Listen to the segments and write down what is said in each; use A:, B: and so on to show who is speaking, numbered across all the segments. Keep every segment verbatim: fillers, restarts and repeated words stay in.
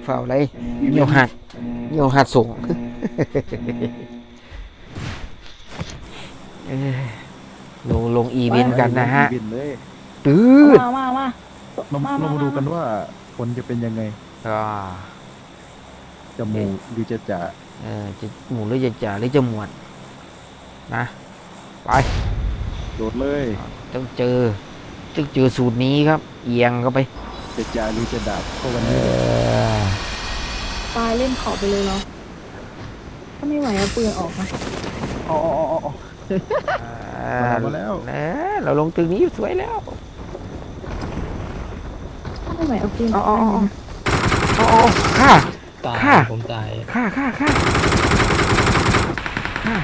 A: ฝ่าอะไรเหี่ยวหักเหี่ยวหักส่งลงลงอีเวนต์กันนะฮะตื้อ
B: มามามา
C: เราเรามาดูกันว่าผลจะเป็นยังไง
A: ก็
C: จะหมูหรือจะจ่า
A: เออจะหมูหรือจะจ่าหรือจะหมวดนะไป
C: โดดเลย
A: ต้องเจอต้องเจอสูตรนี้ครับเอียงเข้าไป
C: จะจ่าหรือจะดาบเข้ากันนี้
B: ตายเล่นขอบไปเลยเนาะถ้าไม่ไหวเอาปืนออกมา
C: อ๋ออ๋ออ๋อมาแล้ว
A: นะเราลงตึกนี้สวยแล้ว
B: ถ้าไม่ไหวเอาปืน
A: อ๋ออ๋ออ๋อฆ่าฆ่า
D: ผมตาย
A: ฆ่าฆ่าฆ่าฆ่า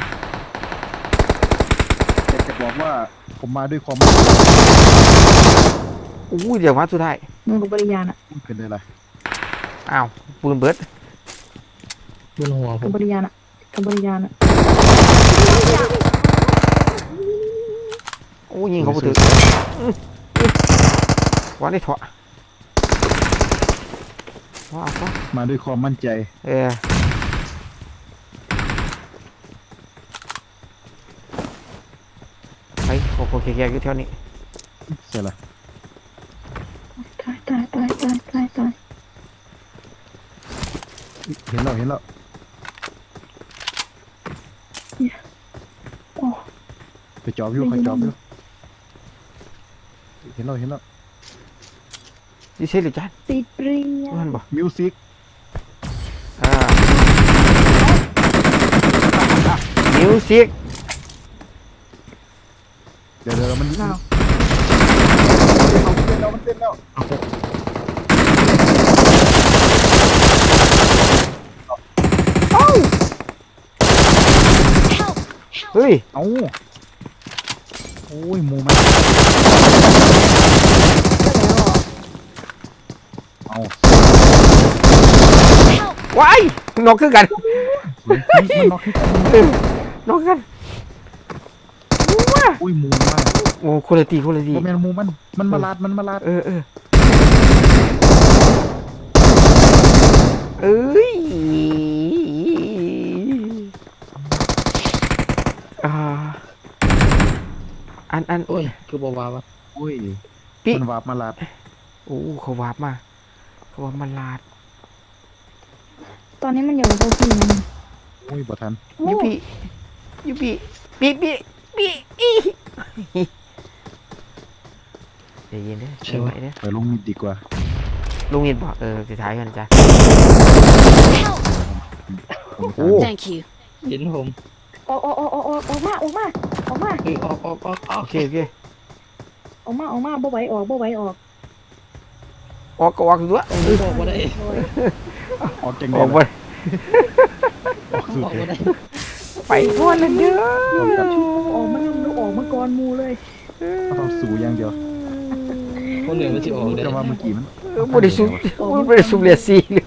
C: อยากจะบอกว่าผมมาด้วยความ
A: อู้เดี๋ยวมาสุดท้าย
B: มึงกับบริยานอ่ะ
C: เป็นอะไร
A: อ้าวปืนเบิร์ด
D: ปืนหัวผ
B: กั
D: ม
B: บบริยานอ่ะกับบริยานอ่ะ
A: โอ้ยิงเขาไปถึงวันนี้ถอดว้าว
C: มาด้วยความมั่นใจ
A: เออไปโคโคแก่ๆอยู่แถวนี้
C: เสร็จละ
B: ตายตายตายตายตายตาย
C: เห็นแล้วเห็นแล้วไปจอบอยู่ไปจอบอยู่เห็นแล้วเห็นแล้ว
A: ดิเซ่หรือจัน
B: ติดปริญญา
A: มันบอก
C: มิวสิก
A: อ่ามิวสิก
C: เดี๋ยวเดี๋ยวมัน
B: เนาะ
C: มันเต้นแล้วมันเต้นแล้ว
A: เฮ้ย
C: เอ้าโอ้ยมูมันเอา
A: ว้ายนกขึ้นกัน
C: มันนกขึ้นกัน
A: นกขึ้น
C: อุ้ยมูมาก
A: โอ้คุณตีคุณตี
C: โมเมนมูมันมันมาลาดมันมาลาด
A: เออเออเอ้ยอ่าอันอัน
D: โอ้ยคือบอกว่าวะ
C: โอ้ยมันวาบมาลาด
A: โอ้เขาวาบมาเขาวาบมาลาด
B: ตอนนี้มันอยู่กับพวกพี่นะ
C: โอ้ยบ่ทัน
A: ยูปียูปีปีปีปีอีเดี๋ยวเย็นเด้อใช่ไหมเด้อ
C: ไปลงมิดดีกว่า
A: ลงมิดบอกเออสุดท้ายกันจ้ะ
C: โอ้
B: thank you
D: เห็นผม
B: ออกออกออกออกออกมาออกมาออกมา
D: เออออกออกออก
A: โอเคโอเค
B: ออกมาออกมาบ่ไหวออกบ่ไหวออก
A: ออกก็ออกด้วย
D: ออกมาได้
C: ออกจัง
A: ออกไป
C: ออกสุดเลย
A: ไปทั่วเลยเด้อ
B: ออกมาดูออกมาก่อนมูเลย
C: เอาสู่อย่างเดียว
D: คนเหนือมันจะออกได้
C: แต่ว่าเมื่อกี้มัน
A: บริสุทธิ์บริสุทธิ์เลียซีเลย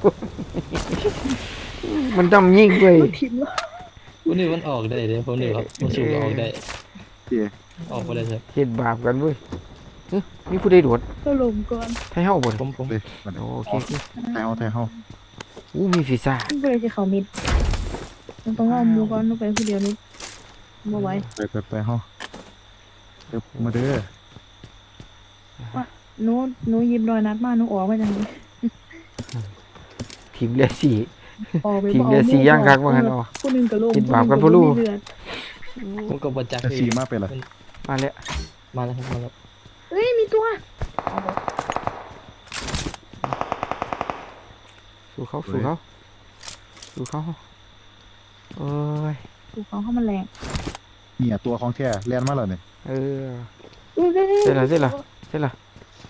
A: มันทำยิ่งเลย
D: คนเหนือมันออกได้เลยคนเหนือครับมันสูงออกได้ออกไปเลยครับ
A: เห็นบาปกันเว้ยนี่ผู้ใดโดด
B: ก็ลงก่อน
A: ไทยเฮาบ่
D: ผมผม
A: โอเค
C: ไทยเฮาไทยเฮา
A: อู้มีฟีซ่า
B: เพื่อจะเขามิดมันต้องเอามูก่อนต้องไปคนเดียวนิดบ่ไหว
C: ไปไปไปเฮาเดี๋ยวมาเด้อ
B: ว่าหนูหนูยิบรอยนัดมาหนูออกมาจังเลย
A: ทีมเลียซีทีมเลียซีย่างกักว่างั้นอ๋อ
B: ผู้นึงก็ลง
A: กินบาปกันผู้ลูก
D: ผมก็บ่จัก
C: ซีมาเป็นไร
A: มาแล้ว
D: มาแล้วมาแล้ว
B: เฮ้ยมีตัว
A: สู้เขาสู้เขาสู้เขาเอ้ย
B: สู้เขาเข้ามาแรง
C: เนี่ยตัวของแท้แลนมาแล้วเนี่ย
A: เออเสร็จแล้วเสร็จแล้วเสร็จแล้ว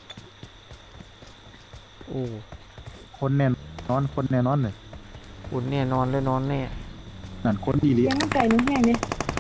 A: โอ้
C: คนแน่นอนคนแน่นอนเลย
A: คนแน่นอนเลยนอนแน่
C: นั่นคนดีเลย
B: ยังไก่หนูแห้งเลย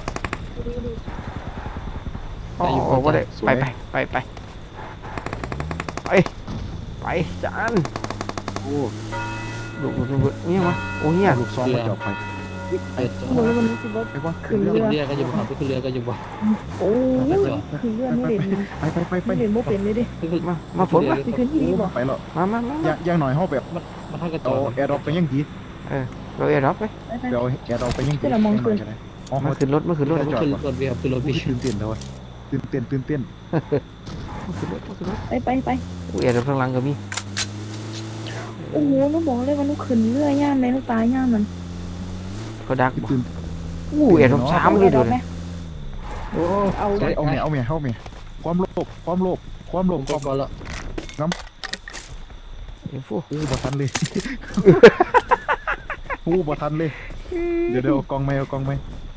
A: อ๋อว่าได้ไปไปไปไปไปไปจาน
C: โอ้
A: ลูกลูกนี่มาโอ้เฮีย
C: ลูกซองมาจับไป
D: ไอ้ตัว
C: ไอ้ว่า
D: ขึ้นเรือก็อยู่บ่ขึ้นเรือก็อยู่บ่
B: โอ้ขึ้นเรือไม่เด่น
C: ไปไปไปไป
B: เด่นโมเป็นเลยดิ
A: มามาฝนมา
B: ขึ้นที่นี่บ่
C: ไปหรอ
A: มามามา
C: อย่างอย่างหน่อยห้องแบบ
D: มันมันทักกระจ
C: เอา
D: อด
C: แอร์ดรอปไปยังดี
A: เราเอรับไป
B: ไปไป
C: เดี๋ยวเอาแอร์ดรอปไปยังดี
B: เดี๋ยวเรามองขึ้น
C: อ๋อ
A: มาขึ้นรถมาขึ้นรถ
D: มัน
A: มา
D: ขึ้นรถพี่ครับขึ้นรถพี่
C: ตื่นเต้นแล้วตื่นเต้นตื่นเต้น
A: ขึ้นรถมาขึ้นรถ
B: ไปไปไป
A: อุ้ยเอรับข้างหลังก็มี
B: โอ้โหหนูบอกเลยว่าหนูขึ้นเรือย่ามเลยหนูตายย่ามมัน
A: เขาดักบ่
C: ตื่น
A: อู้เอรับสามเลยเดี๋ยว
B: ไหม
A: นี้
C: โอ้เอาเอาเมียเอาเมียเอาเมียความโลภความโลภความโล
D: ผ
C: ภ
D: ม
C: ค
D: ก็
C: วาม
D: พอละ
A: อินฟู
C: อู้บ่ทันเลยอู้บ่ทันเลยเดี๋ยวเดี๋ยวเอากองไหมเอากองไหม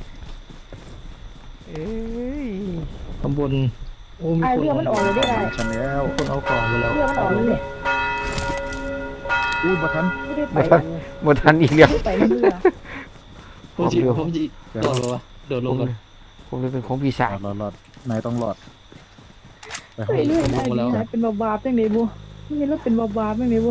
A: เอ้ย
D: ข้างบนโอ้มี
B: ไอ
D: คน
B: เรือมันออกเลยได้ไง
C: ฉันแล้ว
D: คนเอาของมาแล้ว
B: เรือมันออกเลย
C: อู้บ่ทัน
B: ไม่ได้ไป
A: หมดทันอีกแล้ว
B: ไม่ได้ไปในเรือ
D: ผมจีผมจีโดดลงวะโดดล
A: ผ
D: ง
A: ม
D: กัน
A: ผมเลยเป็นของปีศาจ
C: รอดรอดนายต้องรอดไป
B: ไปเรื่อยไอ้นี่เป็นบาบาเป็นไงบัวนี่เราเป็นบาบาเป็นไงบัว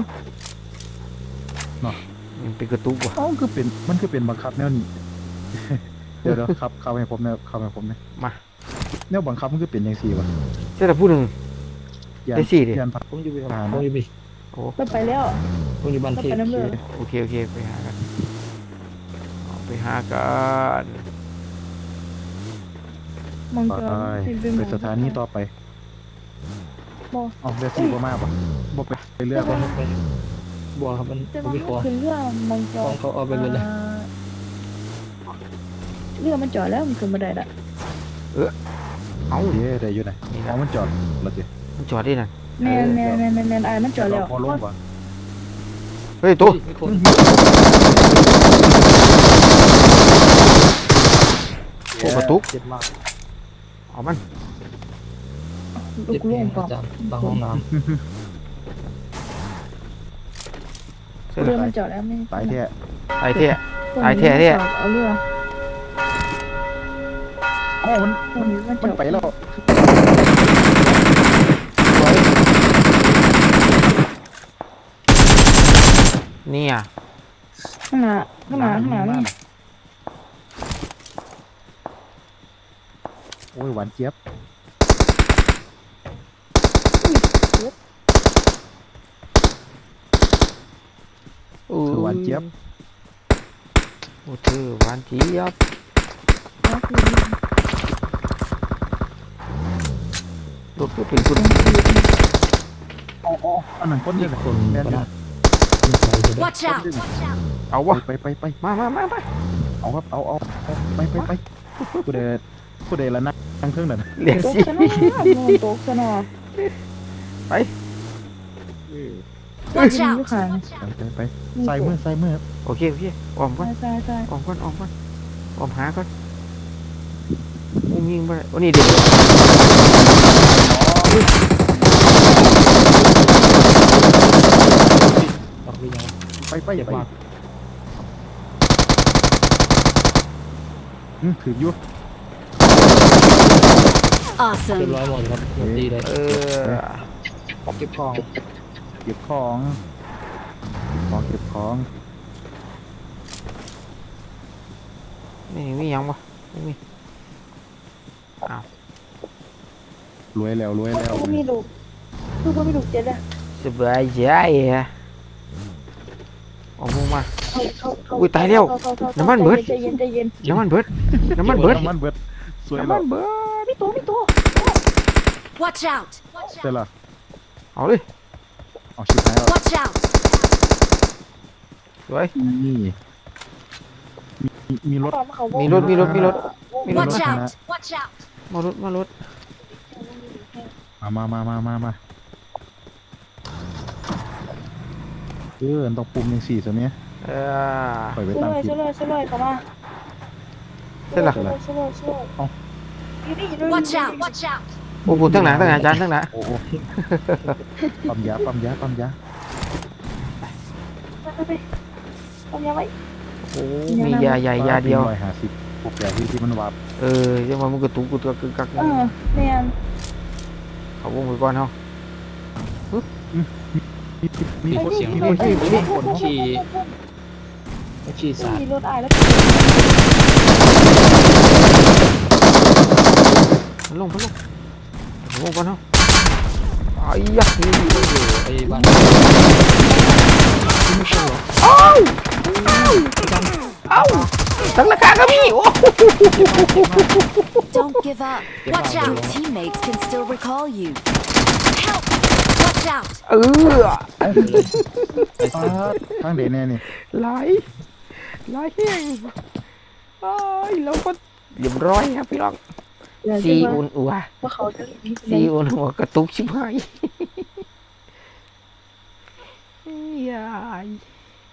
A: มันเป็นกระตุกว่ะ
C: อ๋อคือเป็นมันคือเป็นบังคับแนวนี้เดี๋ยวเดี๋ยวครับเข้าให้ผมเนี่ยเข้าให้ผมเนี่ย
A: มา
C: แนวบังคับมันคือเป็นยังสี่วะ
A: เจ้าแต่ผู้หนึ่ง
C: ยัน
A: ได้สี่ดิ
C: ยันพัก
D: ผมอยู่พี่ครับผมอยู่พี่
A: โอ้
B: เราไปแล้ว
D: ผมอยู่บ้าน
B: เรา
D: เท
B: ไป
D: พ
B: น้ำเรือ
A: โอเคโอเคไปหากันเอาไปหากัน
B: มัง
C: ไป
B: กร
C: ไปสถานีต่อไป
B: บอ
C: อ๋อเรือสี่บ่มากปะบ่ไปไปเรือ
D: ไป
C: บ่
D: ไปบัวครับมัน
B: แต่
D: ผม
B: ว่า
D: มีของ
B: คือเรือมังก
D: ข
B: ร
D: องเขาเอาไปเลยเลย
B: เรือมันจอดแล้วมันขึ้นมาได้ละ
A: เอา
C: เย้ได้อยู่ไหน
A: นี่
C: อ๋อ
A: นะ
C: มันจอดแล้วสิ
A: มันจอดได้นั่น
B: แมนแมนแมนแมนแมนไอมันจอดแล้ว
C: พอลงปะ
A: เฮ้ยตัว
D: มีคน
A: โอ้กระตุก
D: เจ็บมาก
A: เอามัน
B: ลู
D: เจ็บ
B: กล่ว
D: แห้
B: ง
D: ง
B: ก่อ
D: อาน จารย์บางห้องน้
A: เส้น
B: เรือมันจอดแล้วไม่
C: ตายแท้
A: ตายแท้ ตายแท้เนี่ย
B: เอาเรือ
C: อ๋อมัน
B: คนนี้มันจ
C: มัน
B: อด
C: ไปแล้ว
A: เนี่ย
B: ข้างหน้าข้างหน้าข้างหน้านี่
C: โอ้ยหวานเจี๊ยบ
A: โอ้
C: คือหวานเจี๊ยบ
A: โอ้เธอหวานเจี๊ยบ
B: ก็คือ
A: รถก็เป็นคุณ
C: อ๋ออ๋ออันนั้นคน
D: ำ
C: เดี
D: นี่
C: ยวเลย
D: คน
C: แม่น
D: ปะ
C: อยู่
D: นะมีใครจะได้
E: Watch out!
A: เอาวะ
C: ไปไปไป
A: มามามามา
C: เอาครับเอาเอาเอาไปไปไปผู้ใดผู้ใดละนั่งนั่งเครื่องนั่น
A: เรียก
B: ตก
A: สิ
B: ซะหน่อยโดนตกซะหน่อย
A: ไป
E: Watch
B: อยู่
E: out!
B: ข้าง
C: ไปไปไปใส่มือใส่มือ
A: โอเคโอเคออมก่อน
B: ใช่ใช่
A: ออมก่อนออมก่อนออมหาก่อนมุ้งยิงไปโอ้นี่เด็ก
D: ออกไปยัง
C: ไปไป
D: เจ็บ
C: ไป
D: มาก
C: อืมถืออยู่
D: เรียบ
E: Awesome!
D: ร้อยหมดครับหมดดีเลย
A: เออ
D: เก็บของ
C: เก็บของเก็บของเก็บของ
A: นี่มียังปะไม่มี
C: รวยแล้วรวยแล้ว
B: ก็มีลูกคือก็มีลูกเจ็ดอะ
A: สบายใจฮะเอามุงมา
B: เข้าเข้าเข้า
A: อุ้ยตายแล้ว
B: เข้าเข้าเข้า
A: น้ำมันเบิด
B: ใจเย็นใจเย็น
A: น้ำมันเบิดน้ำมันเบิด
C: น้ำมันเบิดสวย
A: น้ำ
C: แล้
A: มั
C: วน
A: เบิด
B: มีตัวมีตัว
E: Watch out!
C: เสร็จละ
A: เอาเลย
C: เอาชิบหายแล้ว
E: Watch out!
A: สวย
C: นี่มีมีรถ
B: ความเขา
A: มีรถมีรถมีรถมีรถ
E: Watch
C: นะ
E: out! Watch out!
A: มารถมารถ
C: มามามามามามาเออต้องปุ่มยังสี่ตัวเนี้ย
A: เออ
C: ปล่อยไป
B: ช่วย
C: ตาม
B: เลย
C: ผิด
B: ช่วยเลยช่วยเลยเข้ามา
A: เสร็จละ
B: ช่วยเลยช่วยเลยช่วยเลย
C: เอ้า
B: อยู่นี่อยู่นี่
E: Watch out! Watch out!
A: โอ้โหตั้งหนาตั้งหนาอาจารย์ตั้งหนา
C: โอ้โหปั๊มยาปั๊มยาปั๊มยา
B: ไปไปไปเอายาไว้
A: โอ้มียาใหญ่ยาเดียว
C: ร้อยห้าสิบพวกยาที่ที่มันวาบ
A: เออยังว่ามันกระตุกกระตุกกึกกัก
B: เออแม่น
A: เขาวงไปก่อนเฮา
C: มีมี
B: ไอ้
C: คน
B: นี่
C: มี
B: ไอ้
C: คน
B: นี่
C: มี
B: ไอ้
C: คน
B: นี่
D: ขี่ไม่ขี่สาด
B: มีรถอายแล้ว
A: มันลงมันลงเขาวงก่อนเฮาไอ้ยักษ์นี่
D: ไอ้บ้าน
A: เอ้าเอ้าตั้งราคาก็มีโอ้
E: Don't give up. Watch out. Your teammates can still recall you. Help! Watch out.
A: เออ
C: ปาดทางเดนแน่นี่
A: ไหลไหลแห้งเอ้ยเราก็เรียบร้อยครับพี่น้อง
B: เดี๋ยว
A: ซี
B: จะว่า
A: อุ่นอัว
B: ว่าเขาจะรีบ
A: ซีอุ่นหัวกระตุกชิบหายยาย